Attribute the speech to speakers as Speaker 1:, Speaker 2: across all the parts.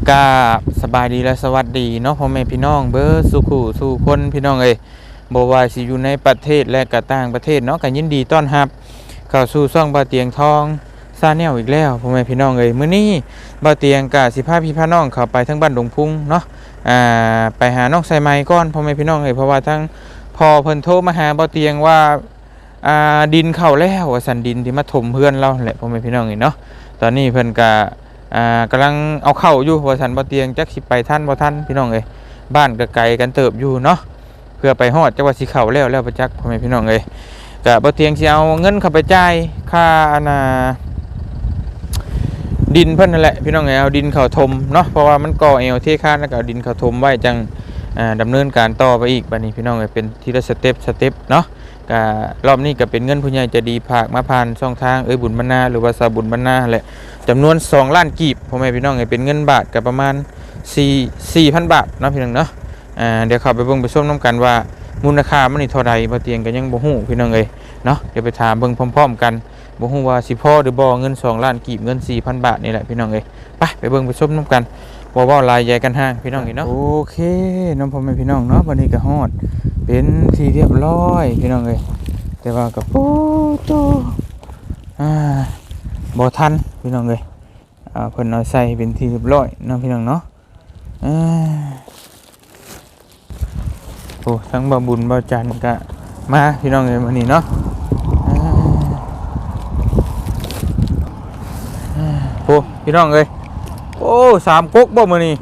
Speaker 1: กาสบายดีและสวัสดีเนาะพ่อแม่พี่น้องเบอร์สุขุสู่คนพี่น้องเอ้ยบ่ว่าสิอยู่ในประเทศและก็ต่างประเทศเนาะก็ยินดีต้อนรับเข้าสู่ช่องบ่าวเตียงทองซาแนลอีกแล้วพ่อแม่พี่น้องเอ้ยมื้อนี้บ่าวเตียงก็สิพาพี่พาน้องเข้าไปทั้งบ้านดงพุงเนาะไปหาน้องไซไมก่อนพ่อแม่พี่น้องเอ้ยเพราะว่าทั้งพ่อเพิ่นโทรมาหาบ่าวเตียงว่าดินเข้าแล้วว่าสันดินที่มาถมเพื่อนเราแหละพ่อแม่พี่น้องเอ้ยเนาะตอนนี้เพิ่นก็กำลังเอาเข้าอยู่ว่าสันบ่เตียงจักสิไปท่านบ่ท่านพี่น้องเอ้ยบ้านก็ไกลกันเติบอยู่เนาะเพื่อไปฮอดจังว่าสิเข้าแล้วประจักษ์พ่อแม่พี่น้องเอ้ยก็บ่เตียงสิเอาเงินเข้าไปจ่ายค่าดินเพิ่นนั่นแหละพี่น้องเอ้ยเอาดินเข้าถมเนาะเพราะว่ามันก่อเอวเทคานแล้วก็เอาดินเข้าถมไว้จังดำเนินการต่อไปอีกบัดนี้พี่น้องเอ้ยเป็นทีละสเต็ปเนาะก็รอบนี้ก็เป็นเงินผู้ใหญ่ใจะดีฝากมาผ่านช่องทางบุญบรรณาหรือว่าสาบุญบรรณาแหละจำนวน2ล้านกีบพ่อแม่พี่น้องเป็นเงินบาทก็ประมาณ4,000 บาทเนาะพี่น้องเนาะเดี๋ยวเข้าไปเบิ่งไปชมน้ำกันว่ามูลค่ามันนี่เท่าใดบ่เตียงก็ยังบ่ฮู้พี่น้องเนาะเดี๋ยวไปถามเบิ่งพร้อมๆกันบ่ฮู้ว่าสิพอหรือบ่เงิน2ล้านกีบเงิน 4,000 บาทนี่แหละพี่น้องไปเบิ่งไปชมน้ำกันบ่เว้าลายใหญ่กันห้างพี่น้องเนาะโอเคน้องพ่อแม่พี่น้องเนาะวันนี้ก็ฮอดเป็นที่เรียบร้อยพี่น้องแต่ว่าก็โอ้โตบ่ทันพี่น้องเพิ่นเอาใส่เป็นที่เรียบร้อยเนาะพี่น้องเนาะโอ้ทั้งบ่บุญบ่จันก็มาพี่น้องมื้อนี้เนาะโอ้พี่น้องโอ้3ก๊กบ่มื้อนี้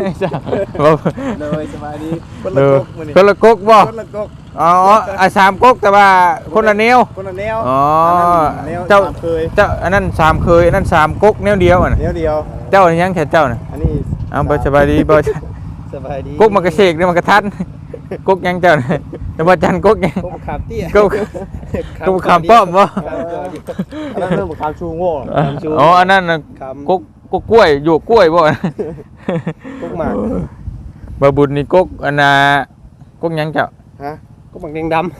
Speaker 2: เลยสบายดีคนละก๊กมื้อนี้
Speaker 1: คนละก๊กบ่
Speaker 2: คนละก๊ก
Speaker 1: อ๋อ3ก๊กแต่ว่าคนละแนว
Speaker 2: คนละแนว
Speaker 1: อ๋อ
Speaker 2: เจ้าเคย
Speaker 1: เจ้าอันนั้น3เคยอันนั้น3ก๊กแนวเดียวน่ะ
Speaker 2: แนวเดียว
Speaker 1: เจ้ายังแค่เจ้าน่ะ
Speaker 2: อันนี้
Speaker 1: เอาบ่สบายดีบ่
Speaker 2: สบายดี
Speaker 1: ก๊กมันกระเสกนี่มันกระทันก๊กยังเจ้าน่ะแต่บ่จันก๊กยัง
Speaker 2: ก๊กขามเตี้ย
Speaker 1: ก๊กขามป้อมบ่
Speaker 2: อันนั้นเรื่องขามชูโง่
Speaker 1: อ๋ออันนั้นน่ะก๊กกล้วยอยู่กล้วยบ่
Speaker 2: ก๊กหมาก
Speaker 1: บ่บุญนี่ก๊กอันน่ะก๊กยังเจ้า
Speaker 2: ฮะก๊กหมากแดงดำ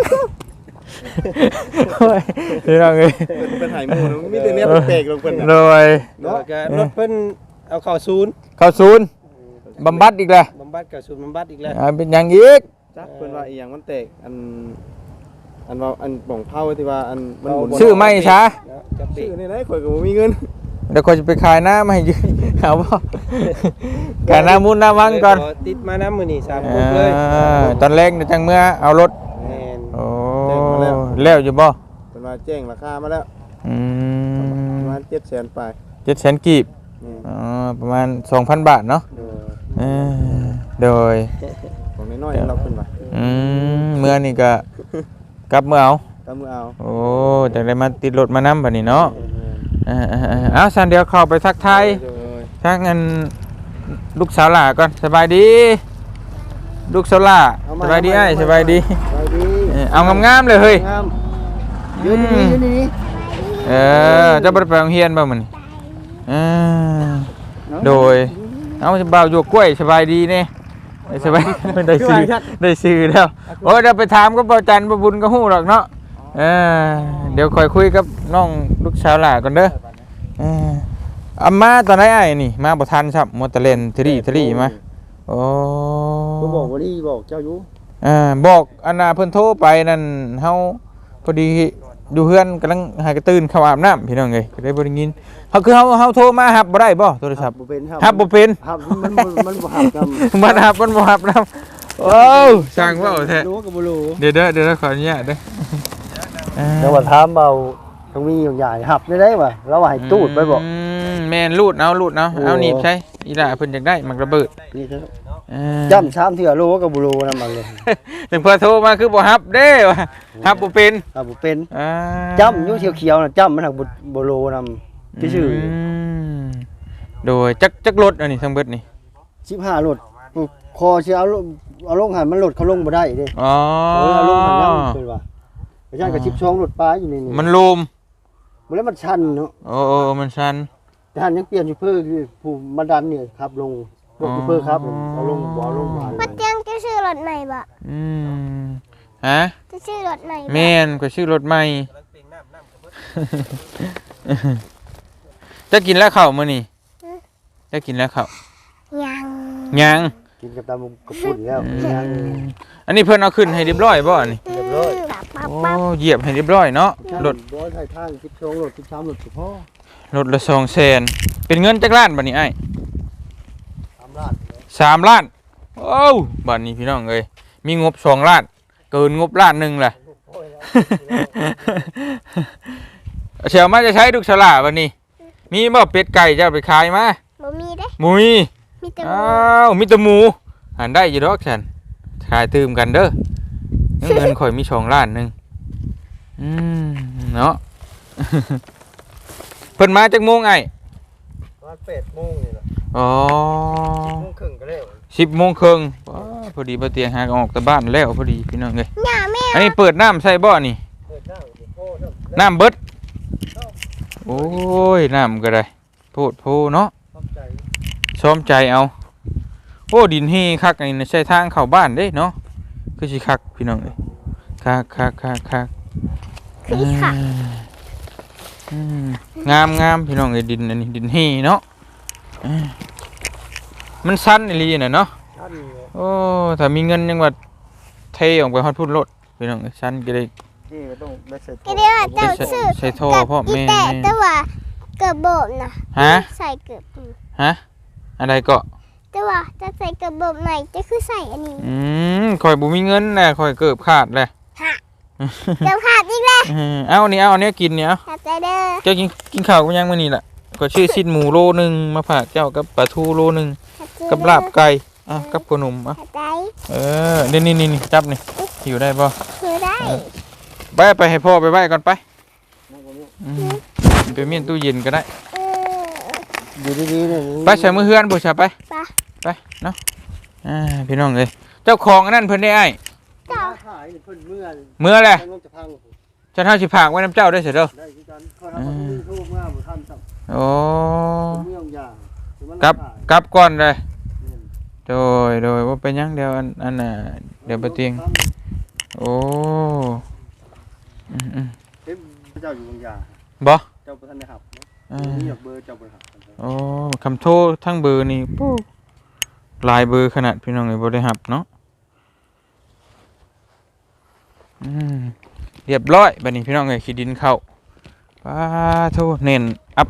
Speaker 1: พี่น้อง
Speaker 2: เป็นไหหมูมีแต่เนี้ยแปลกลงเพิ่น
Speaker 1: โดย
Speaker 2: เนาะรถเพิ่นเอาเข้าศูนย์
Speaker 1: บำบัดอีกแล้ว
Speaker 2: บำบัดกับศูนย์บำบัดอีกแล้ว
Speaker 1: เป็นหยังอีก
Speaker 2: จักเพิ่นว่าอีหยังมันแตกอันว่าอันป่องเผาที่ว่าอันมันหมุน
Speaker 1: ชื่อไม่ช้า
Speaker 2: ชื่อนี่ไหนข่อยก็บ่มีเงิน
Speaker 1: เดี๋ยวข่อยจะไปขายน้ำให้ยืมเอาบ่ขายน้ำมูลน้ำวังก่อน
Speaker 2: ติดมาน้ำมื้อนี้3กุ๊กเลย
Speaker 1: ตอนแรกจังเมื่อเอารถโอ้แล้วอยู่บ่
Speaker 2: เพิ่นว่าแจ้งราคามาแล้วประมาณ700,000ไป
Speaker 1: 700,000กีบประมาณ 2,000 บาทเนาะโดย
Speaker 2: ของน้อยๆเราเพิ่นว่า
Speaker 1: เมื่อนี่ก็กลับเมื่อเอาโอ้จังได้มาติดรถมานํบัดนี้เนาะเอาซั่นเดี๋ยวเข้าไปทักทายทักงั้นลูกสาวหล่าก่อนสบายดีลูกสาวหล่าสบายดีสบายดีเอางามๆเลยเฮ้ย
Speaker 2: ยืนนี่
Speaker 1: จะบ่ได้ไปโรงเรียนบ่มื้อนี้โดยเอาบ่าวอยู่กล้วยสบายดีแน่สบายได้ซื้อแล้วโอ้เดี๋ยวไปถามกับบ่าวจันทร์บ่บุญก็ฮู้หรอกเนาะเดี๋ยวค่อยคุยกับน้องลูกสาวหล่าก่อนเด้อมาตอนไหนนี่มาบ่ทันครับมอเตอร์เลนทรีมาโอ้
Speaker 2: ก็บอกว่านี่บอกเจ้าอยู่
Speaker 1: บอกอันน่ะเพิ่นโทรไปนั่นเฮาพอดีอยู่เฮือนกำลังหากระตื่นเข้าอาบน้ำพี่น้องก็ได้บ่ได้ยินเฮาคือเฮาโทรมารับบ่ได้บ่โทรศัพท์รับบ่เป็น
Speaker 2: มันบ่รับนำ
Speaker 1: มันบ่รับนำโอ้ช่างเว้าแท้
Speaker 2: รู้ก็บ่รู้
Speaker 1: เดี๋ยวขออนุญาตเด้อ
Speaker 2: จังว่าถามเบาต้องมีอย่างใหญ่หับได้ว่ะเราว่าให้ตูดไปบ่
Speaker 1: แม่นรูดเอาเอาหนีบใช่อีหล่าเพิ่นอยากได้มันระเบิด
Speaker 2: นี่เถอะย่ำ3เทื่อรู้ก็บ่รู้นำมันเลย
Speaker 1: ถึงเพิ่นโทรมาคือบ่รับเด้ว่ะรับบ่เป็น
Speaker 2: จ้ำอยู่เขียวๆน่ะจ้ำมันหักบ่รู้นำซื่อ
Speaker 1: โดยจักรถอันนี้ทั้งเบิดนี่
Speaker 2: 15รถคอสิเอาลงหันมันรถเขาลงบ่ได้เด้
Speaker 1: อ๋อ
Speaker 2: เอาลงหันนำเพิ่นว่าอาจารย์ก็12รถปลาอยู่นี่
Speaker 1: มันลม
Speaker 2: บ่แล้วมันชันเนาะ
Speaker 1: โอ้มันชัน
Speaker 2: แต่หันยังเปลี่ยนอยู่เพิ่นคือผู้มาดันเนี่ยครับลงพวกเพิ่นครับเอาลงบ่เอาลงมา
Speaker 3: บ่เตียงจะชื่อรถใหม่บ่
Speaker 1: ฮะ
Speaker 3: จะชื่อรถใหม่
Speaker 1: แม่นก็ชื่อรถใหม่จะกินแล้วข้าวมื้อนี้ได้กินแล้วครับ
Speaker 3: ยัง
Speaker 1: ยัง
Speaker 2: กินกับตามกับปุ่นแล้วยัง
Speaker 1: อันนี้เพิ่นเอาขึ้นให้เรียบร้อยบ่อันนี้
Speaker 2: เรียบร้อย
Speaker 3: ปั๊บ
Speaker 1: โอ้
Speaker 3: ปั๊บ
Speaker 1: เหยียบให้เรียบร้อยเนาะรถ
Speaker 2: ร้อยไทยทาง12รถ13รถสิพ่อ
Speaker 1: รถละ200,000เป็นเงินจักล้านบัดนี้อ้าย
Speaker 2: 3ล้าน
Speaker 1: 3 ล้านโอ้วบัดนี้พี่น้องเอ้ยมีงบ2 ล้านเกินงบล้านหนึงแหละ
Speaker 2: โอ้ยแล้ว
Speaker 1: เชียวมาจะใช้ลูกฉลาบัดนี้ มีบ่เป็ดไก่จะเอาไปขายมา
Speaker 3: บ่มีเด้
Speaker 1: หมุย
Speaker 3: มีแต่ห
Speaker 1: อ้า
Speaker 3: มู
Speaker 1: วมีแต่หมูหันได้อยู่ดอกฉันขายตื่มกันเด้อเงินข่อยมี2 ล้านหนึงเนาะ เพิ่นมาจากโมงไอ้
Speaker 2: วัน8โมงนี่ล่ะ
Speaker 1: อ๋อ
Speaker 2: โมงครึ่งก็แล้ว
Speaker 1: 10 โมงครึ่งว้าพอดีบ่เตียงหากออกแต่บ้านแล้วพอดีพี่น้องเอ้ย
Speaker 3: หน้าแม่
Speaker 1: อันนี้เปิดน้ำใส่บ่นี่
Speaker 2: เปิดน้ำสิพ่อเนาะ
Speaker 1: น้ำเบิดโอ้ยน้ำก็ได้โพดโพเนาะ
Speaker 2: ขอบใจ
Speaker 1: ซ้อมใจเอาโอ้ดินเฮคักอันนี้ใช่ทางเข้าบ้านเด้เนาะคือสิคักพี่น้องเอ้ยคัก
Speaker 3: คือค่ะ
Speaker 1: งามพี่น้องเอ้ยดินอันนี้ดินเฮเนาะมันสั้นอีหลีน่ะเนาะ
Speaker 2: ท่านเนี่ย
Speaker 1: โอ้ถ้ามีเงินยังว่าเทออกไปฮอดพุ่นรถพี่น้องเอ้ยสั้นก็ได้
Speaker 2: นี่ก็ต้องได้ใส่
Speaker 3: ก็เรียกว่าเจ้าซื้อ
Speaker 1: ใส่ท่อพ่อ
Speaker 3: อี
Speaker 1: แม่
Speaker 3: แต่แต่ว่าเกือบโบกนะ
Speaker 1: ฮะ
Speaker 3: ใส่เกือบ
Speaker 1: ฮะอะไรก็
Speaker 3: แต่ว่าจะใส่เกือบโบกไหนจะคือใส่อันนี้
Speaker 1: ข่อยบ่มีเงินแหละข่อยเกือบขาดเลย
Speaker 3: ฮะเกือบขาดอีกแล้ว
Speaker 1: เอาอันนี้เอาอันนี้กินเนี่ยเอา
Speaker 3: ขาดใจเด้อ
Speaker 1: เจ้ากินข้าวกันยังมื้อนี้ล่ะก็ชื่อสิ้นหมูโลนึงมาฝากเจ้ากับปลาทูโลนึง
Speaker 3: ขาดใจ
Speaker 1: กับลาบไก่กับขนม
Speaker 3: ขาดใจ
Speaker 1: นี่จับนี่อยู่ได้ป่ะ
Speaker 3: คือได้
Speaker 1: ไปให้พ่อไปไว้ก่อนไป
Speaker 2: นั่งตรงนี้
Speaker 1: ไปเมียนตู้เย็นก็ได้
Speaker 3: เออ
Speaker 2: อยู่ดีๆเนี่ย
Speaker 1: ไปใส่มือเฮือนบุษไป
Speaker 3: ไป
Speaker 1: ไปเนาะพี่น้องเลยเจ้าของอันนั้นเพิ่นได้ไอ้
Speaker 2: เจ้าขายนี่เพิ่นเมื่อ
Speaker 1: เมื่อแหละ
Speaker 2: มันจะพัง
Speaker 1: จะเท่าสิผากไว้น้ำเจ้าได้เสียเด้อ
Speaker 2: ได้คือกันเขาทำมาทุกทุกเมื่อบ่ทันสับ
Speaker 1: โอ้
Speaker 2: เมื่อยางคือมัน
Speaker 1: กลับ
Speaker 2: ขาย
Speaker 1: กลับก่อนเลย
Speaker 2: เนี่ย
Speaker 1: โดยว่าเป็นหยังเดี๋ยวอันน่ะเดี๋ยวไปเตียงโอ้
Speaker 2: เฮ้ยเจ้าอยู่บางอย่าง
Speaker 1: บ่
Speaker 2: เจ้าบ่ทันได้หับเนาะ
Speaker 1: อ่า
Speaker 2: นี่อยากเบอร์เจ้าบ่หับ
Speaker 1: โอ้คำโทษทั้งเบอร์นี่ปู้หลายเบอร์ขนาดพี่น้องเลยบ่ได้หับเนาะเรียบร้อยบัดนี้พี่น้องเลยขี้ดินเข้าป้าโทษเน้นอัพ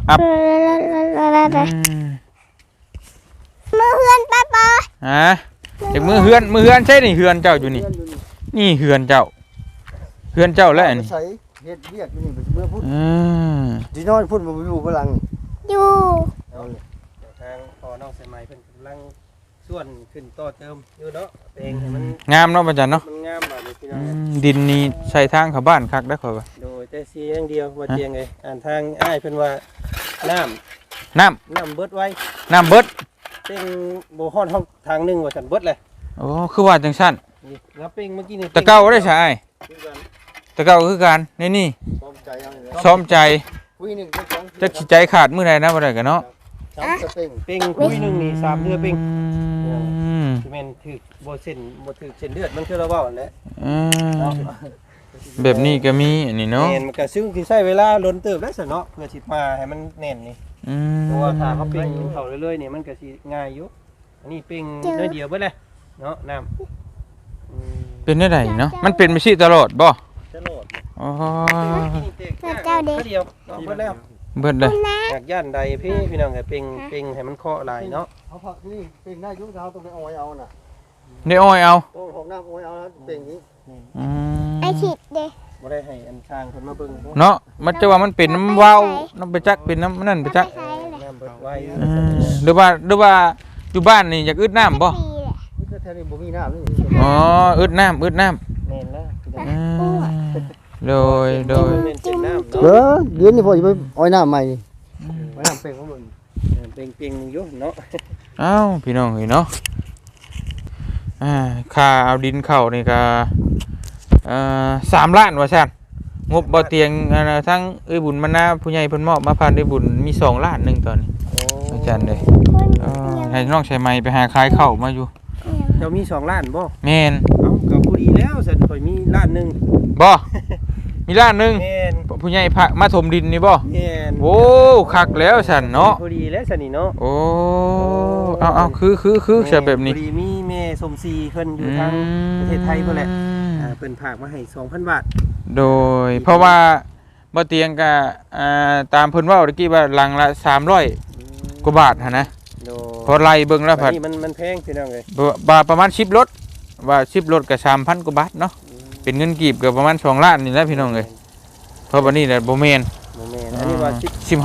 Speaker 3: มือเฮือนป้าปอ
Speaker 1: ฮะเด็กมือเฮือนใช่นี่เฮือนเจ้าอยู่นี่นี่เฮือนเจ้าแล้วอันนี้
Speaker 2: ใส่เฮ็ดเวียกอยู่นี่เมื่อพูด
Speaker 1: อืม
Speaker 2: สินอนพูดบ่อยู่พลัง
Speaker 3: อยู่
Speaker 2: เอาเลย
Speaker 4: ทางพอน้องใส่ไม้เพิ่นกำลังส่วนขึ้นต่อเติมอยู่เนาะเองให้มัน
Speaker 1: งามเนาะบัดจันเนาะ
Speaker 4: มันงามแบบนี้พี่น้
Speaker 1: อื
Speaker 4: อง
Speaker 1: มดินนี่ใส่ทางเข้าบ้านคักได้ข่อยว่า
Speaker 4: โดยแต่สีอย่างเดียวว่าเจียงไงอ่านทางอ้ายเพิ่นว่าน้
Speaker 1: น้
Speaker 4: ำเบิดไว้
Speaker 1: ำน้ำเบิด
Speaker 4: เป้งบ่ฮอดห้องทางหนึงว่าซั่นเบิดเลย
Speaker 1: โอ้คือว่าจังซั่น
Speaker 4: นี่งับเป้งเมื่อกี้นี่
Speaker 1: แตะเก้าได้ใช่
Speaker 4: คือกัน
Speaker 1: แตะเก้าคือกันนี่
Speaker 2: พร้อมใจเอาเลย
Speaker 1: ซ้อมใจ
Speaker 2: คุยหนึงก็สอง
Speaker 1: จักสิใจขาดมื้อใดนะบ่ได้กันเนาะ
Speaker 2: สามสเต็ง
Speaker 4: เป้งคุยหนึงนี่3เดือนเป้ง
Speaker 1: อืม
Speaker 4: สิแม่นถึกบ่เส้นบ่ถึกเส้นเลือดมันคือเราเว้านั่นแหละ
Speaker 1: อืมแบบนี้ก็มีอันนี้เนาะ
Speaker 4: แม่นมันก็ซึ่งสิใช้เวลาล้นเติบแล้วซั่นเนาะเพื่อสิมาให้มันแน่นนี่
Speaker 1: อื
Speaker 4: เพราะว่าถ้าเขา
Speaker 1: ม
Speaker 4: เป่งเขาเรื่อยๆเนี่ยมันก็สิง่ายอยู่ อันนี้เป่งน้อยเดียวเบิดเลยเนาะน้ำ
Speaker 1: เป็นได้ไดเนาะมันเป็นไปสิตลอดบ่
Speaker 4: จะโหลด
Speaker 1: อ๋อ
Speaker 4: เดียวเนาะเบิดแล้ว
Speaker 1: เบิดเลย
Speaker 4: อยากย่านใดพี่น้องให้เป่งให้มันเคาะหลายเนาะ
Speaker 2: เอาผักนี่เป็นได้ยุคเราต้องไปเอาไว้เอาน่ะ
Speaker 1: ได้อ้อยเอา
Speaker 2: โอ้ของน้ำเอาไว้เอาแล้วเป็นอย่างนี้
Speaker 1: อืม
Speaker 3: ไอขิดเด้
Speaker 4: บ่ได้ให้อันช่างเพิ่นมาเบิ่ง
Speaker 1: เนาะมันจะว่ามันเป็นน้ำว้าวน้ำไปจักเป็นน้ำนั่นไปจัก
Speaker 3: ใช้เลย
Speaker 4: น้ำเบิดไว้
Speaker 1: หรือว่าอยู่บ้านนี่อยากอึดน้ำบ่
Speaker 3: ปีแหละ
Speaker 2: นี่แถวนี้บ่มีน้ำนี่
Speaker 1: อ๋ออึดน้ำ
Speaker 4: แม่นแล้ว
Speaker 1: โดย
Speaker 4: เป็นเจ็ดน้ำ
Speaker 2: เอ
Speaker 4: เนาะ
Speaker 2: อเดี๋ยวนี้พอจะไปเอาน้ำใหม่นี่ไว้น้ำเป็นของมึง
Speaker 4: เป่งอยู่เนาะ
Speaker 1: เอ้าพี่น้องเห็นเนาะค่าเอาดินเข้านี่ก็3 ล้านว่าซั่นงบบ่เตียงทั้งบุญมานาผู้ใหญ่เพิ่นมอบมาผ่านบุญมี2 ล้านหนึงตอนนี้
Speaker 4: โอ้
Speaker 1: อาจารย์เด้ให้น้องใช้ไม้ไปหาขายข้าวมาอยู่
Speaker 4: เจ้ามี2ล้านบ่
Speaker 1: แม่น
Speaker 4: เอ้าก็ผู้ดีแล้วซั่นข่อยมีล้านหนึง
Speaker 1: บ่มีล้านหนึง
Speaker 4: แม่น
Speaker 1: ผู้ใหญ่พระมาถมดินนี่บ่
Speaker 4: แม่น
Speaker 1: โอ้คักแล้วฉันเนาะ
Speaker 4: พอดีแล้วซั่นนี่เนาะ
Speaker 1: โอ้เอาคือใช่แบบนี้
Speaker 4: พอดีมีแม่สมศรีเพิ่นอยู่ทางประเทศไทยพุ่นแหละเพิ่นฝากมาให้ 2,000 บาท
Speaker 1: โดยเพราะว่าบ่เตียงก็ตามเพิ่นเว้าตะกี้ว่าหลังละ300กว่าบาทหั่นนะ
Speaker 4: โด
Speaker 1: พอไล่เบิ่งแล้วผัด
Speaker 4: นี่มันแพงพี่น้องเอ้ย
Speaker 1: บาทประมาณ10รถว่า10รถก็ 3,000 กว่าบาทเนาะเป็นเงินกีบก็ประมาณ2ล้านนี่แหละพี่น้องเอ้ยเพราะบัดนี้แหละบ่แม่น
Speaker 4: บ่แม่นอันนี้ว่า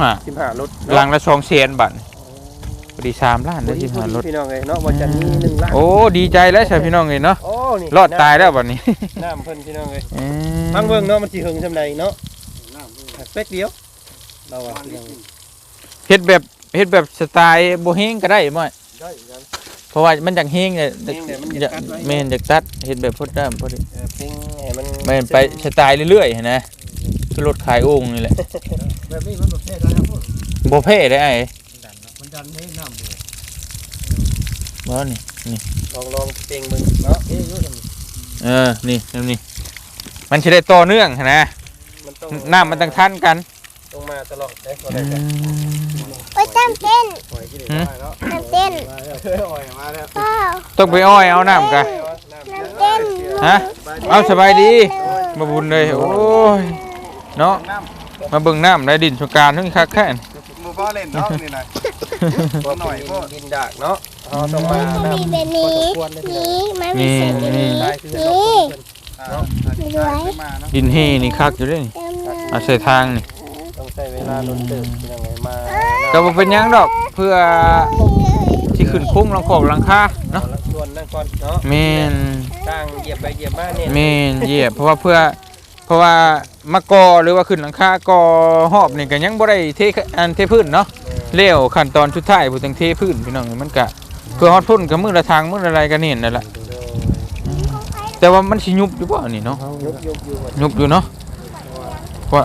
Speaker 1: 15
Speaker 4: 15รถ
Speaker 1: หลังละ200,000บาทพอดี3ล้านได้15รถ
Speaker 4: พี่น้องเอ้ยเนาะว่าจะมี1ล้าน
Speaker 1: โอ้ดีใจแล้วใช่พี่น้องเอ้ยเนาะ
Speaker 4: โอ้นี่
Speaker 1: รอดตายแล้วบัดนี้
Speaker 4: น้ำเพิ่นพี่น้องเอ้ยฟังเบิ่งเนาะมันสิหึงซำใดเนาะเป๊กเดียวเราอ่ะพี่น้อง
Speaker 1: เฮ็ดแบบสไตล์บ่เฮงก็ได้บ่
Speaker 2: ได้กัน
Speaker 1: เพราะว่ามันจังเฮงเนี่ยแม่นจากตัดเฮ็ดแบบพดด้ามพอดี
Speaker 4: เพลงให้มัน
Speaker 1: แม่นไปสไตล์เรื่อยๆนะคือรถขายโอ่งนี่แหละ
Speaker 2: แบบนี้มันแบบแพ้ได้ครับพวก
Speaker 1: บ่เพ่ได้ไอ้
Speaker 2: มันดันให้น้ำเลย
Speaker 1: บ่นี่
Speaker 4: ลองเพลงมึงเนาะ
Speaker 2: เอ้ยอยู่ตรงนี้
Speaker 1: นี่นี่มันสิได้ต่อเนื่องนะ
Speaker 4: มันต้อง
Speaker 1: น้ำมันต้องทันกัน
Speaker 4: ต้องมาตลอดได้บ่ได้จ้ะ
Speaker 3: โอ้ยจำเต้น
Speaker 2: ปล่อยกินได้แล้ว
Speaker 3: จำเต้น
Speaker 2: มาแล้วปล่อยมาแล้ว
Speaker 3: พ่อ
Speaker 1: ต้องไปอ้อยเอาน้ำกัน
Speaker 3: จำเต้น
Speaker 1: ฮะเอาสบายดีมาบุญเลยโอ้ยเนาะมาเบิ่งน้ำได้ดินสงกรานต์ทั้งคักแค่
Speaker 5: มือพ่อเล่นเนาะนี่นะ
Speaker 4: หน่อยพวกดินดากเนาะเฮาต้องมา
Speaker 3: เขามีแบบนี้นี่มันมีเศษแบบนี้
Speaker 4: ตายคือ
Speaker 3: นี่
Speaker 5: เนาะ
Speaker 3: รวย
Speaker 5: มาเนาะ
Speaker 1: ดินเฮนี่คักอยู่ด้วยนี่
Speaker 3: เต็มเลย
Speaker 1: เอาใส่ทางนี่
Speaker 4: ต้องใช้เวลาโดนตึกที่ยังไงมา
Speaker 1: ก็บ่เป็นหยังดอกเพื่อที่ขึ้นคุ้งหลังคอกหลังคาเนาะ
Speaker 4: ส่วนนั่นก่อนเนาะ
Speaker 1: แม่น
Speaker 4: ตั้งเหยียบไปเหยียบมาเนี่ย
Speaker 1: แม่นเหยียบเพราะว่ามากอหรือว่าขึ้นหลังคากอหอบนี่ก็ยังบ่ได้เทพื้นเนาะเลี้ยวขั้นตอนสุดท้ายผู้ตังเทพื้นพี่น้องมันก็เพื่อฮอดพุ่นกับมือละทางมือละอะไรก็นี่นั่นแหละแต่ว่ามันสิยุบอยู่บ่นี่เนาะ
Speaker 4: ยุบอยู่
Speaker 1: ยุบอยู่เนาะว่า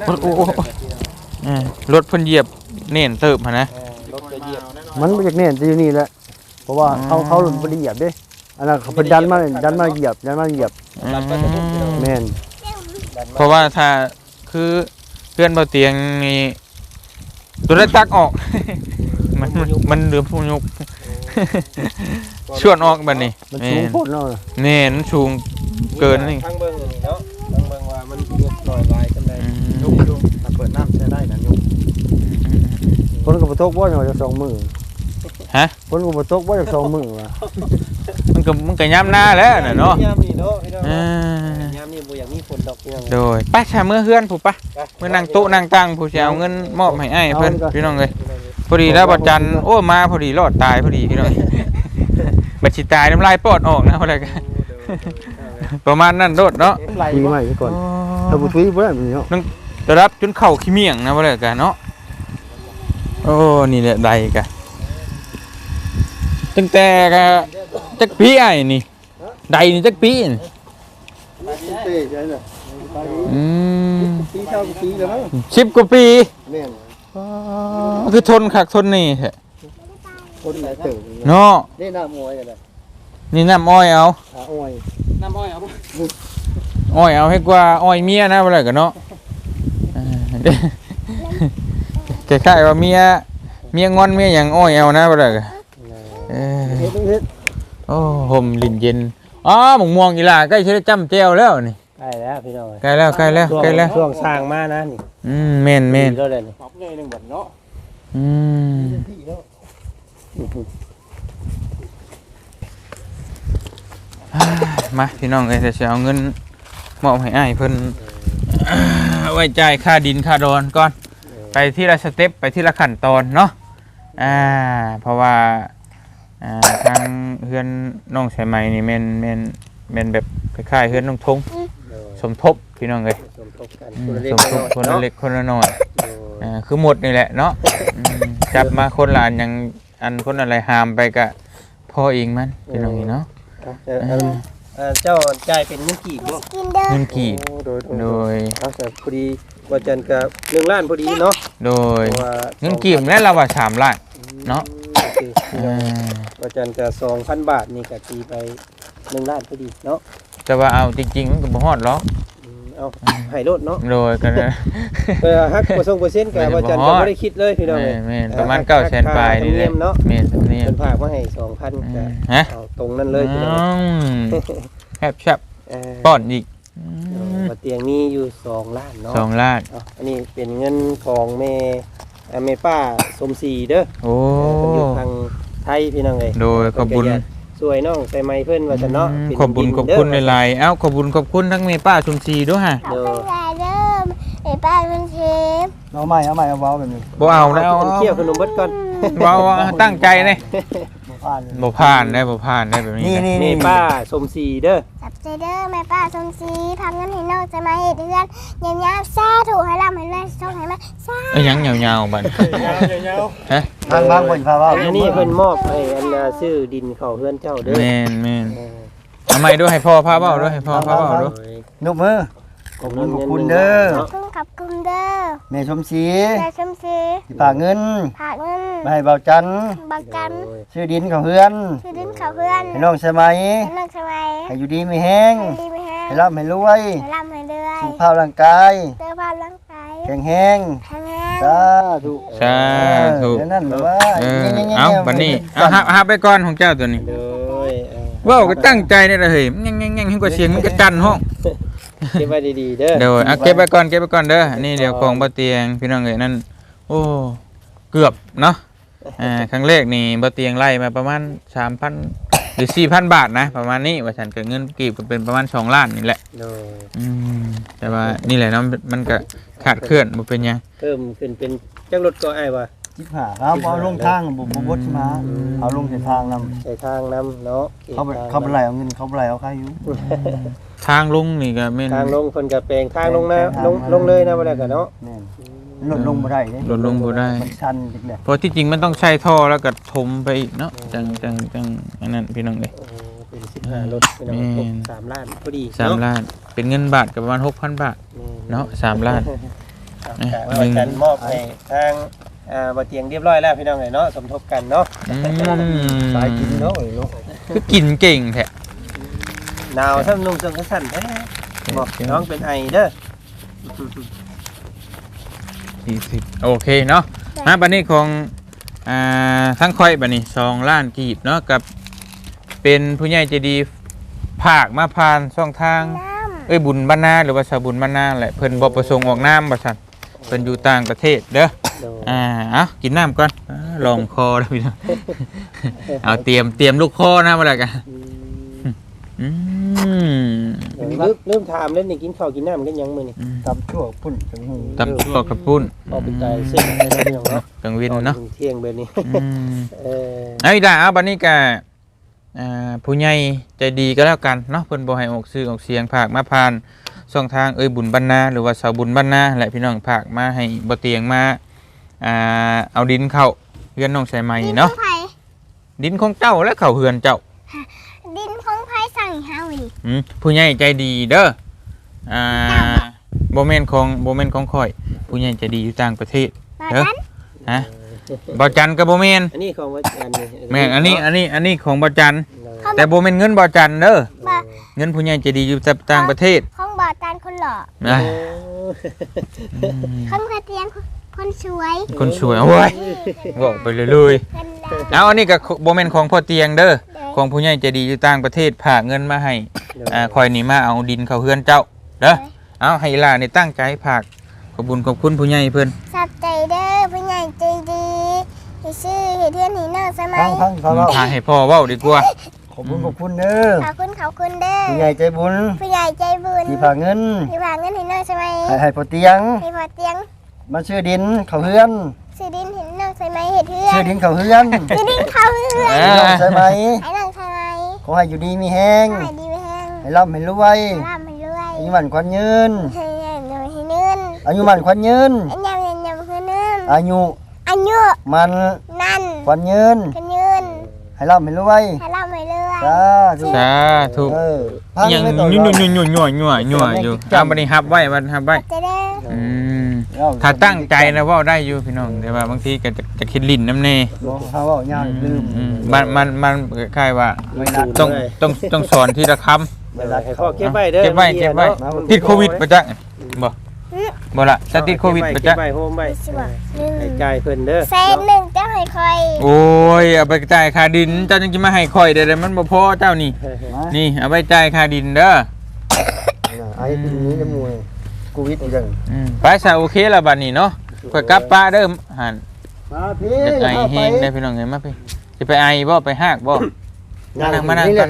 Speaker 1: รถเพิ่นเหยียบเน่นเติบหั่นนะ
Speaker 4: รถจะเหยียบ
Speaker 2: มันมาจากเนี่ยจะอยู่นี่แหละเพราะว่าเขาหลุดบริเหยียบเด้อันนั้นเขาเป็นดันมาเหยียบแม่น
Speaker 1: เพราะว่าถ้าคือเพื่อนบ่เตียงนี่ตัวได้ตักออก มันเหลือผู้ยุบ ชวนออกบัดนี้
Speaker 2: มันสูงโพดเนาะ
Speaker 1: แน่นสูงเกินนี่
Speaker 4: ทางเบิ่งนี่เนาะทางเบิ่งว่ามันยุบหน่อยลายกันได้
Speaker 2: ยุบถ้าเปิดน้ำใช้ได้นะยุบคนกับตกบ่จะ2มื้อ
Speaker 1: ฮะ
Speaker 2: คนกับตกบ่จะ2มื้อว่ะ
Speaker 1: มันก็ย้ำหน้าแล้วน่ะเนาะ
Speaker 4: ยามนี่เนาะพี่น้อง
Speaker 1: อ่า
Speaker 4: ยามนี่บ่อยากมีฝนดอกพี่น้อง
Speaker 1: โดยไปชาเมื่อเฮือนผู้ปะเมื่อนั่งโต๊ะนั่งตั้งผู้สิเอาเงินมอบให้อ้ายเพิ่นพี่น้องเอ้ยพอดีแล้วบัดจันทร์โอ้มาพอดีรอดตายพอดีพี่น้อง บัดสิตายน้ำลายปอดออกนะเพราะอะไรกันประมาณนั้นโดดเนาะ
Speaker 2: คุยใหม่ก่อนถ้าบ่ทุยบ่ได้มันเนาะ
Speaker 1: จะรับจนเข่าขี้เมี่ยงนะเพราะอะไรกันเนาะโอ้นี่แหละใดกันตั้งแต่กะจักปีไอ้นี่ใดนี่จักปีนี่
Speaker 2: เต้ใช่น่ะ
Speaker 4: ปีเท่าปีแล้วมั้ง
Speaker 1: 10 กว่าปี
Speaker 2: แม่น
Speaker 1: คือทนคักทนนี่แท้
Speaker 2: คนหลายเติบ
Speaker 1: เนาะ
Speaker 2: ได้น้ำอ้อยกันน่ะ
Speaker 1: นี่น้ำอ้อยเอา
Speaker 2: อ้อย
Speaker 4: น้ำอ้อยเอาบ่
Speaker 1: อ้อยเอาให้กว่าอ้อยเมียนะเพราะอะไรกันเนาะคล้ายๆว่าเมียงอนเมียอย่างอ้อยเอานะเพราะอะไรกัน
Speaker 2: เฮ็ด
Speaker 1: โอ้ห่มลิ้นเย็นอ๋อหมกม่วงอีหล่าใกล้จะได้จ้ำแจ่วแล้วนี่
Speaker 4: ใกล้แล้วพี่น้อง
Speaker 1: ใกล้แล้ว
Speaker 4: ช่วงสร้างมานะนี่
Speaker 1: แม่น
Speaker 4: แล้วเลยนี่ปรับเลยนึงบัดเนาะ
Speaker 1: มาพี่น้องเอ้ยจะเอาเงินมอบให้อ้ายเพิ่นไว้จ่ายค่าดินค่าดอนก่อนไปที่ละสเต็ปไปที่ละขั้นตอนเนาะเพราะว่าทางเฮือนน้องสายไหมนี่แม่นแบบคล้ายๆเฮือนน้องทงสมทบพี่น้องเอ้ย
Speaker 4: สมทบกัน
Speaker 1: สมทบคนละเล็กคนละน้อยคือหมดนี่แหละเนาะจับมาคนละอันยังอันคนอะไรหามไปกะพ่อเองมันพี่น้องนี่เนาะ
Speaker 4: เจ้าจ่ายเป็นเงินกี่บ่
Speaker 3: กินเด้อ
Speaker 1: เงินกีบ โดย
Speaker 4: เอาแต่พอดีว่าจันกับ1ล้านพอดีเนาะ
Speaker 1: โดยเงินกีบแล้วเราว่า3 ล้านเนาะ
Speaker 4: ว่าจันกับ2,000 บาทนี่ก็ตีไป1ล้านพอดีเนาะ
Speaker 1: แต่ว่าเอาจริงๆมันก็บ่ฮอดหรอก
Speaker 4: เอาให้รถเนาะ
Speaker 1: โดยกันนะ
Speaker 4: ฮักบ่ส่งเปอร์เซ็นต์ก็บ่จันก็บ่ได้คิดเลยพี่น้องเอ้ย
Speaker 1: แม่นประมาณ900,000ปลายนี่แหละ
Speaker 4: เนาะ
Speaker 1: แม่นนี่
Speaker 4: เพิ่นฝากมาให้ 2,000ก็
Speaker 1: ฮะ
Speaker 4: เอาตรงนั้นเลยพี่น้อง
Speaker 1: แซ่บป้อนอีก
Speaker 4: บ่เตียงมีอยู่2ล้านเนาะ
Speaker 1: 2ล้าน
Speaker 4: อันนี้เป็นเงินของแม่ป้าสมศรีเด้อ
Speaker 1: โอ้
Speaker 4: เพิ่นอยู่ทางไทยพี่น้องเอ้ย
Speaker 1: โดยขอบคุญ
Speaker 4: สวยน้องใส่ไม้เพิ่นว่าซั่นเนาะ
Speaker 1: ขอบคุณขอบคุณหลายๆเอ้าขอบคุณทั้งแม่ป้าชุมศรีด้วยฮะ
Speaker 3: ขอบคุณยายเด้อไอ้ป้าเป็นเชฟ
Speaker 2: เอาใหม่เอาเว้าแบบนี้
Speaker 1: บ่เอาแล้ว
Speaker 4: เคี่ยวขนมเบิดก่อน
Speaker 1: เว้าตั้งใจเลย
Speaker 2: บ่ผ่าน
Speaker 1: บ่ผ่านได้แบบนี้
Speaker 2: นี่
Speaker 4: แม่ป้าสมศรีเด้อ
Speaker 3: จับใจเด้อแม่ป้าสมศรีทำเงินให้น้องจะมาเฮ็ดเรือนยามๆซาถูกให้ร่ำให้รวยส่งให้แม่ซา
Speaker 1: เอ้ยยังยาวๆบัดฮะ
Speaker 2: ทางบางคนพาเว้า
Speaker 4: อันนี้เพิ่นมอบให้อันซื้อดินเข้าเฮือนเจ้าเด้อ
Speaker 1: แม่นทำไมด้วยให้พ่อพาเว้าด้วยให้พ่อพาเว้าด้วย
Speaker 2: นกมือขอบคุณเด้อ
Speaker 3: ขอบคุณเด้อ
Speaker 2: แม่ชมศรี
Speaker 3: ยายสมศรี
Speaker 2: ที่ฝากเงิน
Speaker 3: ฝากเงิน
Speaker 2: มาให้เบาจันทร์
Speaker 3: บักกัน
Speaker 2: ชื่อดินของเฮือน
Speaker 3: คือดินเขาเพื่อน
Speaker 2: ให้น้องใช่ไหม
Speaker 3: ให้น้องสมัย
Speaker 2: ให้อยู่ดีไม่แห้ง
Speaker 3: ให้ดีไม่แห้ง
Speaker 2: ให้ร่ำให้รวย
Speaker 3: ให้ร่ำให้รวย
Speaker 2: สุขภาพร่างกาย
Speaker 3: เสื้อผ้าร่างกาย
Speaker 2: แข็งแห้ง
Speaker 3: แข็งแรง
Speaker 2: สาธุ
Speaker 1: สาธุ
Speaker 2: นั่นแบบว่า
Speaker 1: เอาบัดนี้เอาหาไปก่อนของเจ้าตัวนี้
Speaker 4: โดย
Speaker 1: เว้าก็ตั้งใจนี่ล่ะเฮ้ยแง่งๆๆให้กว่าเสียงมันก็จันห้อง
Speaker 4: เก็บไว้ดีๆเด้อ
Speaker 1: เดี๋ยวเอาเก็บไปก่อนเด้ออันนี้เดี๋ยวของบ่เตียงพี่น้องเอ้ยนั่นโอ้เกือบเนาะครั้งแรกนี่บ่เตียงไล่มาประมาณ 3,000 หรือ 4,000 บาทนะประมาณนี้ว่าฉันเกิดเงินกีบก็เป็นประมาณ2ล้านนี่แหละ
Speaker 4: โดย
Speaker 1: แต่ว่านี่แหละเนาะมันก็ขาดเคลื่อนบ่เป็นหยัง
Speaker 4: เพิ่มขึ้นเป็นจักรถก็อ้ายว่า
Speaker 2: 15ครับเอาลงทางบ่บดมาเอาลงในทางนำ
Speaker 4: ใส่ทางนำเนาะ
Speaker 2: เขาไปไหลเอาเงินเขาไปไหลเอาค่าอยู่
Speaker 1: ทางลงนี่ก็แม่น
Speaker 4: ทางลงเพิ่นก็แปลงทางลงนะลงเลยนะบ่ได้ก็เนาะ
Speaker 2: แม่นลดลงบ่ได้เด้
Speaker 1: ลดลงบ่ได้
Speaker 2: มันชันจังได๋
Speaker 1: เพราะที่จริงมันต้องใช้ท่อแล้วก็ถมไปอีกเนาะจังอันนั้นพี่น้องเอ้ย
Speaker 4: โอ้โหเป็น15รถพี่น้อง
Speaker 1: แม่น
Speaker 4: 3ล้านพอดี
Speaker 1: 3ล้านเป็นเงินบาทก็ประมาณ 6,000 บาทเนาะ3ล้าน
Speaker 4: ว่ากันมอบให้ทางบ่เตียงเรียบร้อยแล้วพี่น้องเอ้ยเนาะสมทบกันเนาะ
Speaker 2: สายกินเนาะเนาะ
Speaker 1: คือกินเก่งแท้
Speaker 4: หนาวซ้ำนุ่งจังสั่นแท้บอกน้องเป็นไอเด้อ
Speaker 1: 40โอเคเนาะมาบัดนี้ของทั้งค่อยบัดนี้2ล้านกีบเนาะกับเป็นผู้ใหญ่ใจดีภาคมาผ่านช่องทาง
Speaker 3: น้ำ
Speaker 1: บุญบ้านนาหรือว่าสาวบุญบ้านนาแหละเพิ่นบ่ประสงค์ออกน้ำบ่ซั่นเพิ่นอยู่ต่างประเทศเด้อ
Speaker 4: โดย
Speaker 1: เอากินน้ำก่อนลองคอแล้วพี่น้องเอาเตรียมลูกคอนะบ่ได้กันอืม
Speaker 4: ลืมถามเล่นนี่กินข้าวกินน้ำกันยังมื้อนี่
Speaker 2: ตำชั่วพุ่นจังหู
Speaker 1: ตำชั่วกับปุ้น
Speaker 4: พอเป็นใจเส้นให้เราพี่น้องเนาะ
Speaker 1: กลางวินเนาะ
Speaker 4: เที่ยงเบอร์นี้ เออ
Speaker 1: เอาอีกแล้วเอาบัดนี้ก็ผู้ใหญ่ใจดีก็แล้วกันเนาะเพิ่นบ่ให้ออกชื่อออกเสียงภาคมาผ่านช่องทางบุญบรรณาหรือว่าสาวบุญบรรณาแหละพี่น้องภาคมาให้บ่เตียงมาเอาดินเข้าเฮือนน้องใส่ไม้
Speaker 3: ดินขอ
Speaker 1: เนาะ
Speaker 3: งไผ่
Speaker 1: ดินของเจ้าและเข้าเฮือนเจ้า
Speaker 3: ดินของไผ่สั่งเฮานี่
Speaker 1: ผู้ใหญ่ใจดีเด้อบ่แม่นของข่อยผู้ใหญ่ใจดีอยู่ต่างประเทศ
Speaker 3: บา
Speaker 1: เด้อ
Speaker 3: ดัน
Speaker 1: ฮะบ่จันก็บ่แม่น
Speaker 4: อันนี้ของวัดจันทร์นี่
Speaker 1: แม่นอันนี้ของบ่จัน
Speaker 3: เขา
Speaker 1: แต่บ่แม่นเงินบ่จันเด้อ
Speaker 3: บ่
Speaker 1: เงินผู้ใหญ่ใจดีอยู่ต่างประเทศ
Speaker 3: ของบาดันคนหล่อ
Speaker 1: นะ
Speaker 3: ของกระเตียงคนสวย
Speaker 1: คนสวยโอ้ยบอกไปเลย
Speaker 3: กันดา
Speaker 1: เอาอันนี้ก็บ่แม่นของพ่อเตียงเด้อของผู้ใหญ่ใจดีอยู่ต่างประเทศฝากเงินมาให้คอยนี่มาเอาดินเข้าเฮือนเจ้าเด้อเอาให้อีหล่านี่ตั้งใจฝากขอบคุณผู้ใหญ่เพิ่น
Speaker 3: สับใจเด้อผู้ใหญ่ใจดีที่ชื่อเฮ็ดเทือนให้น้องสมั
Speaker 2: พั
Speaker 3: ย
Speaker 2: งพังเขาเว้า
Speaker 1: พาให้พ่อเว้าดีกว่า
Speaker 2: ขอบคุณเด้อ
Speaker 3: ขอบคุณเด้อ
Speaker 2: ผู้ใหญ่ใจบุญ
Speaker 3: ผู้ใหญ่ใจบุญ
Speaker 2: ที่ฝากเงิน
Speaker 3: ที่ฝากเงินให้น้องสมัย
Speaker 2: ให้พอเตียง
Speaker 3: ให้พอเตียง
Speaker 2: มาชื่อดินเขาเฮือน
Speaker 3: ซื้อดินเห็นน้องสมัยเฮ็ดเทือ
Speaker 2: ชื่อน ดินเขาเฮือน
Speaker 3: ซื้อดินเขาเฮือน
Speaker 2: น้องใช่ไหม
Speaker 3: ให้น้องสมัย
Speaker 2: ขอให้อยู่ดีมีแห้ง
Speaker 3: ให้ดีไปแห้ง
Speaker 2: ให้ร่ำให้รวย
Speaker 3: ร่ำให้รวย
Speaker 2: อายุมันควันยืน
Speaker 3: ให้เงินให้เงิน
Speaker 2: อายุมันควันยืน
Speaker 3: อันยำคือเงิน
Speaker 2: อายุ
Speaker 3: อายุ
Speaker 2: มัน
Speaker 3: นั่น
Speaker 2: ควันยืน
Speaker 3: คือเงิน
Speaker 2: ให้ร่ำให้รวย
Speaker 3: ให้ร่ำให้รวย
Speaker 2: สาธุ
Speaker 1: สาธุ
Speaker 2: พัง
Speaker 1: ยัง
Speaker 2: ไม่ต้อง
Speaker 1: ยั่วอยู่เอาบัดนี้ฮับไว้ฮับไว้
Speaker 3: จะได้
Speaker 1: ถ้าตั้งใจนะเว้าได้อยู่พี่น้องแต่ว่าบางทีก็จะคิดลิ้นน้ำแน่
Speaker 2: บอกเขาว่าย่างลืม
Speaker 1: มันคล้ายๆว่า
Speaker 2: ไม่นัด
Speaker 1: ต้องสอนทีละคำ
Speaker 2: เวลา
Speaker 4: ให้พ่อเก็บไว้เด้อ
Speaker 1: เก็บไว้ติดโควิดบ่จักบ่ล่ะจะติดโควิดบ่จัก
Speaker 4: เก็บไว้โฮมไว้
Speaker 3: สิบ่หนึ่ง
Speaker 4: ให้จ่ายเพิ่นเด้อ
Speaker 3: แสนหนึ่งเจ้าให้คอย
Speaker 1: โอ้ยเอาไปจ่ายค่าดินเจ้าจังสิมาให้ข่อยได้มันบ่พอเจ้านี่นี่เอาไปจ่ายค่าดินเด้อ
Speaker 2: ไอ้ปีนี้จะมวยโควิดอีกจัง
Speaker 1: ไปซะโอเคแล้วบัดนี้เนาะข่อยกลับป้าเด้อหั่น
Speaker 2: มาพี่
Speaker 1: จะไอแห้งได้พี่น้องเอ้ยมาพี่สิไปไอบ่ไปหากบ่มานั่งก่อน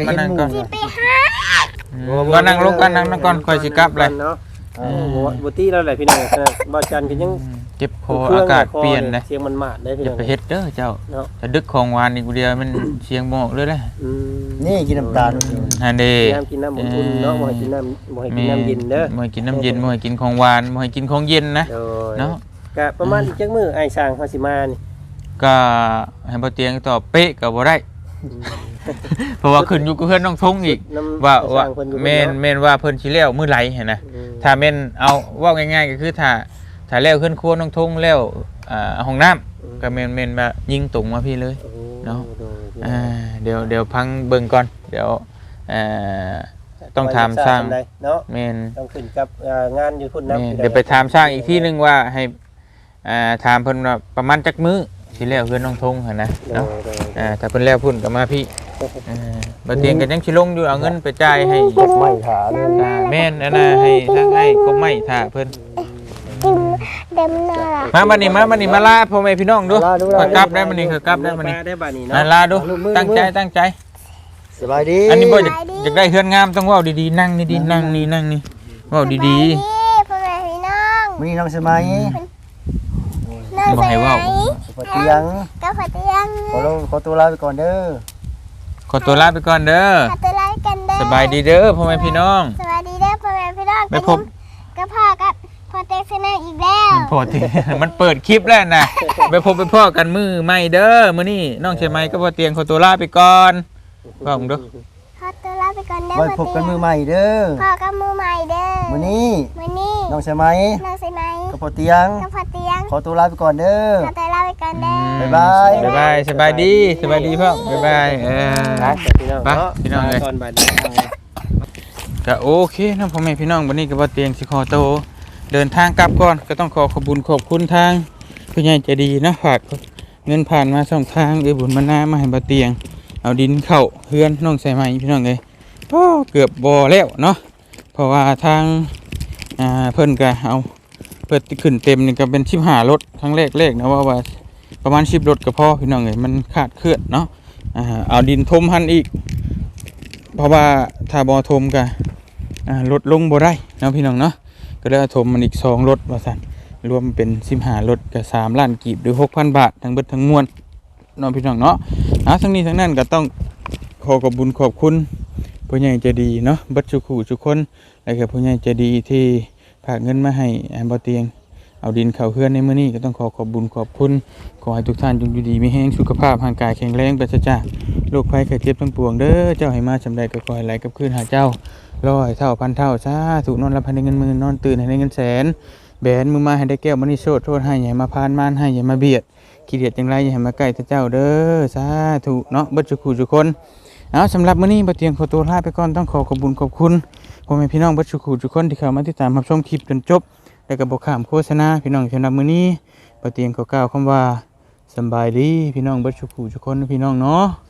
Speaker 3: สิไปหา
Speaker 1: ก็นั่งลงกันนั่งก่อนค่อยสิกลับเลย
Speaker 4: เนาะบ่ตีแล้วแหละพี่น้องบ่จันก็ยัง
Speaker 1: เจ็บคออากาศเปลี่ยนนะ
Speaker 4: เสียงมันมาดได้พี่
Speaker 1: อย่า
Speaker 4: น้อง
Speaker 1: ไปเฮ็ดเด้อเจ้าถ้าดึกของหวานนี่กูเดียวมันเสียงบ่ออกเลยนะ
Speaker 2: นี่กินน้ำตาล
Speaker 1: อันนี้
Speaker 4: น้ำกินน้ำอุ่นๆเนาะบ่ให้กินน้ำเย็นเด้อ
Speaker 1: บ่ให้กินน้ำเย็นบ่ให้กินของหวานบ่ให้กินของเย็นนะเนาะ
Speaker 4: ก็ประมาณอีกจักมื้อไอ้ช่างเฮาสิมานี่
Speaker 1: ก็ให้บ่เตียงตอบเป๊ะก็บ่ได้ เพราะว่าขึ้นอยู่กับเพื่อนน้องทงอีกว่าแม่นว่าเพิ่นสิแล้วมื้อไหลเห็นนะถ้าแม่นเอาเว้าง่ายๆก็คือถ้าแล้วขึ้นครัวน้องทงแล้วห้องน้ำก็แม่นว่ายิงตรงมาพี่เลยเนาะเดี๋ยวพังเบิ่งก่อนเดี๋ยวต้องถามสร้าง
Speaker 4: เนาะ
Speaker 1: แม่น
Speaker 4: ต้องขึ้นกับงานอยู่พุ่นนำ
Speaker 1: เดี๋ยวไปถามสร้างอีกที่นึงว่าให้ถามเพิ่นว่าประมาณจักมื้อสิแล้วเพื่อนน้องทงหั่นนะเนาะถ้าเพิ่นแล้วพุ่นก็มาพี่บ่เตียงก็ยังสิลงอยู่เอาเงินไปจ่ายให้
Speaker 2: ไม่ขาเลย
Speaker 1: แม่นอันน่ะให้ทางให้ก็ไม่ท่าเพิ่น
Speaker 3: กินเต็มหน้า
Speaker 1: มาบัดนี้มาลาพ่อแม่พี่น้องดูก็กลับได้บัดนี้ก็กลับได้บัดนี้
Speaker 4: ได้บัดนี้
Speaker 1: มา
Speaker 4: เนาะ
Speaker 1: ลาดูตั้งใจ
Speaker 2: สบายดี
Speaker 1: อันนี้บ่อยากได้เฮือนงามต้องเว้าดีๆนั่งดีๆนั่งนี่เว้าดี
Speaker 3: พ่อแม่พี่น้อง
Speaker 2: มื้อนี้น้องสมัย
Speaker 3: น้อง
Speaker 1: ๆบ่
Speaker 3: ใส่
Speaker 1: ให้
Speaker 3: ไหน
Speaker 1: เว้า
Speaker 2: เตียง
Speaker 3: ก็พอเตียง
Speaker 2: ขอตัวลาไปก่อนเด้อ
Speaker 1: ขอตัวลาไปก่อนเด้อ
Speaker 3: พอตัวไล่กันเด้อ
Speaker 1: สบายดีเด้อพ่อแม่พี่น้อง
Speaker 3: สวัสดีเด้อพ่อแม่พี่น้อง
Speaker 1: ไปพบ
Speaker 3: ก็พ่อกับพ่อเต้ชนะอีกแล้ว
Speaker 1: พอที มันเปิดคลิปแล้วนะไปพบไปพ่อกันมื้อใหม่เด้อมื้อนี้น้องเชียงใหม่ก็บ่เตียงขอตัวลาไปก่อนว่าผมดู
Speaker 3: ขอตัวลาไปก่อนเด้อ
Speaker 2: ไว้พบกันมือใหม่เด้อ
Speaker 3: พ่อกับมือใหม่เด้อ
Speaker 2: มื้อนี้
Speaker 3: มื้อนี้
Speaker 2: น้องสมัย
Speaker 3: น้องใส่ไหม
Speaker 2: กับพ่อเตียง
Speaker 3: ก็พอเตียง
Speaker 2: ขอตัวลาไปก่อนเด้อ
Speaker 3: ขอตัวลาไปก่อนเด้อ
Speaker 2: บ๊ายบาย
Speaker 1: บ๊ายบายสบายดีพ่อบ๊ายบาย
Speaker 4: พี่น้อง
Speaker 1: ไป
Speaker 4: เนาะ
Speaker 1: พี่น้องเลย
Speaker 4: ตอนบัดนี้
Speaker 1: ก็โอเคนะพ่อแม่พี่น้องวันนี้ก็บ่เตียงสิขอโตวเดินทางกลับก่อนก็ต้องขอบคุณทางผู้ใหญ่ใจดีนะฝากเงินผ่านมาช่องทางบุญมานามาให้บ่เตียงเอาดินเข้าเฮือนน้องใส่ไหมพี่น้องเลยเกือบบ่แล้วเนาะเพราะว่าทางเพิ่นก็เอาเปิดขึ้นเต็มนี่ก็เป็น15รถครั้งแรกนะว่าประมาณ10รถก็พอพี่น้องเลยมันขาดเคลื่อนเนาะเอาดินทมหันอีกเพราะว่าถ้าบ่ทมก็ลดลงบ่ได้เนาะพี่น้องเนาะก็เลยทมมันอีก2รถว่าซั่นรวมเป็น15รถก็3ล้านกีบหรือ 6,000 บาททั้งเบิดทั้งมวลเนาะพี่น้องเนาะทั้งนี้ทั้งนั้นก็ต้องขอบคุณผู้ใหญ่ใจดีเนาะเบิดทุกคู่ทุกคนแล้วก็ผู้ใหญ่ใจดีที่ฝากเงินมาให้บ่เตียงเอาดินเข้าเฮือนในมื้อนี้ก็ต้องขอบคุณขอให้ทุกท่านจงอยู่ดีมีแรงสุขภาพร่างกายแข็งแรงปราศจากโรคภัยไข้เจ็บทั้งปวงเด้อเจ้าให้มาสำใดก็ขอให้ไหลกับคืนหาเจ้า100 เท่าพันเท่าสาธุนอนหลับให้ได้เงินหมื่นนอนตื่นให้ได้เงินแสนแบนมือมาให้ได้แก้วมณีโชติโทษให้อย่ามาพานมานให้อย่ามาเบียดขี้เดียดจังไรอย่าให้มาใกล้เจ้าเด้อสาธุเนาะเบิดทุกคู่ทุกคนเอาสำหรับมื้อนี้บ่เตียงขอตัวลาไปก่อนต้องขอบคุณพ่อแม่พี่น้องเบิดทุกคู่ทุกคนที่เข้ามาติดตามรับชมคลิปจนจบแล้วก็บ่ข้ามโฆษณาพี่น้องสำหรับมื้อนี้บ่เตียงขอกล่าวคำว่าสำบายดีพี่น้องเบิดทุกคู่ทุกคนพี่น้องเนาะ